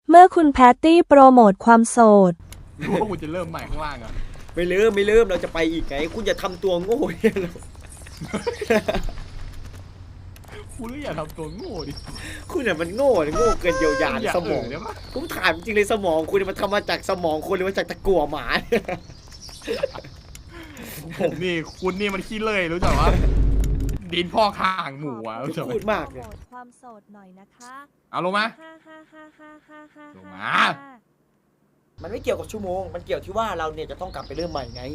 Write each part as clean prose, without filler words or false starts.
เมื่อคุณแพตตี้โปรโมทความโสดหรือว่าคุณจะเริ่มใหม่ข้างล่างอ่ะไม่ลืมเราจะไปอีกไงคุณอย่าทำตัวโง่เนี่ยเราคุณก็อย่าทำตัวโง่ดิคุณเนี่ยมันโง่เกินเยียวยาสมองเนี่ยผมถามจริงเลยสมองคุณมันทำมาจากสมองคุณหรือมาจากตะกั่วหมาผมนี่คุณนี่มันขี้เลื่อยรู้จักว่าดินพ่อข้างหมูอ่ะรู้จักไหมพูดมากเลยความโสดหน่อยนะคะเอาลงมา ลงมามันไม่เกี่ยวกับชั่วโมงมันเกี่ยวที่ว่าเราเนี่ยจะต้องกลับไปเริ่มใหม่ไง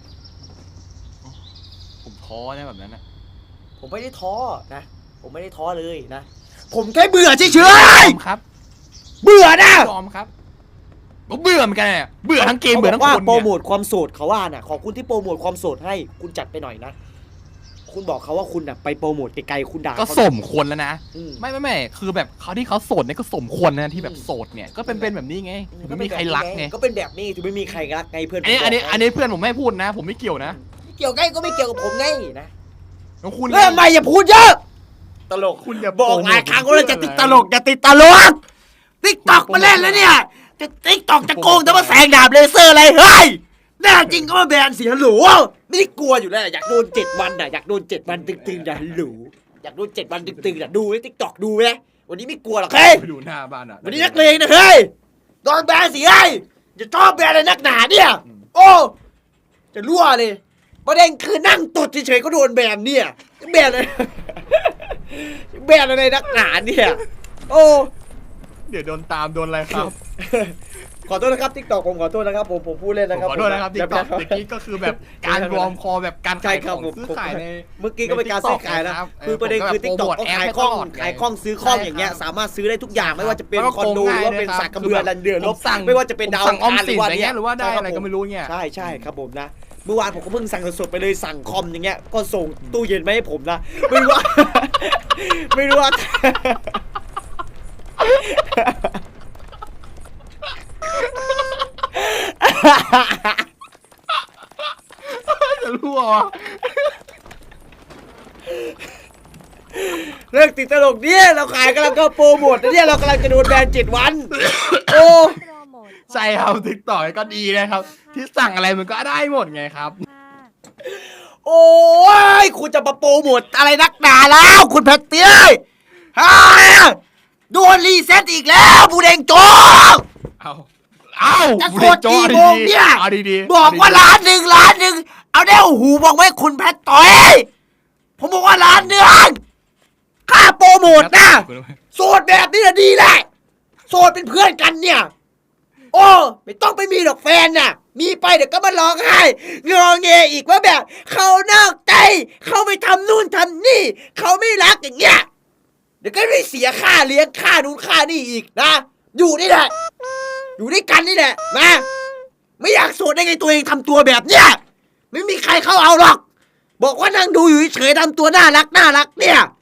ผมท้อนะแบบนั้นนะผมไม่ได้ท้อนะผมไม่ได้ท้อเลยนะผมแค่เบื่อเฉยยอมครับๆเบื่อนะยอมครับก็เบื่อเหมือนกันเนี่ยเบื่อทั้งเกมเบื่อทั้งว่าคนโปรเนี่ยโมทความโสดเขาว่าน่ะขอคุณที่โปรโมทความโสดให้คุณจัดไปหน่อยนะคุณบอกเขาว่าคุณน่ะไปโปรโมทไกลๆคุณด่าก็เขาสมควรแล้วนะอืมไม่คือแบบเขาที่เขาโสดเนี่ยก็สมควรนะที่แบบโสดเนี่ยก็เป็นแบบนี้ไงถึงไม่มีใครรักไงก็เป็นแบบนี้ถึงไม่มีใครรักไงเพื่อนอันนี้เพื่อนผมไม่พูดนะ ผมไม่เกี่ยวนะเกี่ยวไงก็ไม่เกี่ยวกับผมไงนะแล้วคุณเริ่มใหม่อย่าพูดเยอะตลกคุณอย่าบอกหลายครั้งว่าจะติดตลกอย่าติดตลกติ๊กตอกมาเล่นแล้วเนี่ยจะติ๊กตอกจะโกงแต่ว่าแสงดาบเลเซอร์อะไรเฮ้ยแน่จริงก็มาแบนเสียหรูไม่ได้กลัวอยู่แล้วอยากโดน7 วันน่ะอยากโดน7 วันตึงๆอย่าหรูอยากโดน7 วันตึงๆอย่าดูไอ้ติ๊กตอกดูไหมวันนี้ไม่กลัวหรอกเฮ้ยไปดูหน้าบ้านอ่ะวันนี้นักเลงนะเฮ้ยโดนแบนสิเฮ้ยจะชอบแบนอะไรนักหนาเนี่ยโอ้จะรั่วเลยประเด็นคือนั่งตดเฉยๆก็โดนแบนเนี่ยแบนอะไร แบนอะไรนักหนาเนี่ยโอ้เดี๋ยวโดนตามโดนอะไรครับขอโทษนะครับทิกตอกผมขอโทษนะครับผมพูดเล่นผมนะครับขอโทษนะครับที่ตอบเมื่อกี้ก็คือแบบการรวมคอแบบการใช่ขายคขรัอบ งผมซื้อขายในเมื่อกี้ก็เป็นการซื้อขายนะรับคือประเด็นคือทิกตอกผมเขาแบบขายโปข้รองโมทขายข้องซื้อข้องอย่างเงี้ยใช่ครับสามารถซื้อได้ทุกอย่างไม่ว่าจะเป็นแล้วก็คอนโดหรือว่าเป็นโกงง่ายสักกระเบือลันเดือนลบผมสั่งไม่ว่าจะเป็นดาวสั่งออมอังคารสินวัอะไรเงี้ยหรือว่าได้อะไรก็ไม่รู้เงี้ยใช่ครับผมนะเมื่อวานผมก็เพิ่งสั่งสดๆไปเลยสั่งคอมอย่างเงี้ยก็ส่งตู้เย็นมาให้ผมนะไม่รู้ว่า ไม่รู้ว่าจะรั่ววะเรื่องติดตลกเนี่ยเราขายกำลังก็โปรโมทนะเนี่ยเรากำลังจะโดนแบน7 วันโอ้ใช่ครับติ๊กต่อก็ดีนะครับ ที่สั่งอะไรมันก็ได้หมดไงครับโอ้ยคุณจะมาโปรโมทอะไรนักหนาแล้วคุณแพตเตี้ยฮ่าโดนรีเซ็ตอีกแล้วบูเดงโจงเอาจะกดกี่โมงเนี่ยเอาดีๆบอกว่าล้านหนึ่งเอาได้หูบอกไว้คุณแพตต้อยผมบอกว่า1,000,000ค่าโปรโมทนะโสดแบบนี้นะดีแหละโสดเป็นเพื่อนกันเนี่ยโอ้ไม่ต้องไปมีดอกแฟนน่ะมีไปเดี๋ยวก็มาร้องไห้งอแงอีกว่าแบบเขานอกใจเขาไม่ทำนู่นทำนี่เขาไม่รักอย่างเงี้ยเดี๋ยวก็ไม่เสียค่าเลี้ยงค่านู่นค่านี่อีกนะอยู่นี่แหละอยู่ด้วยกันนี่แหละนะไม่อยากโสดได้ไงตัวเองทำตัวแบบเนี้ยไม่มีใครเขาเอาหรอกบอกว่านั่งดูอยู่เฉยๆทำตัวน่ารักเนี่ย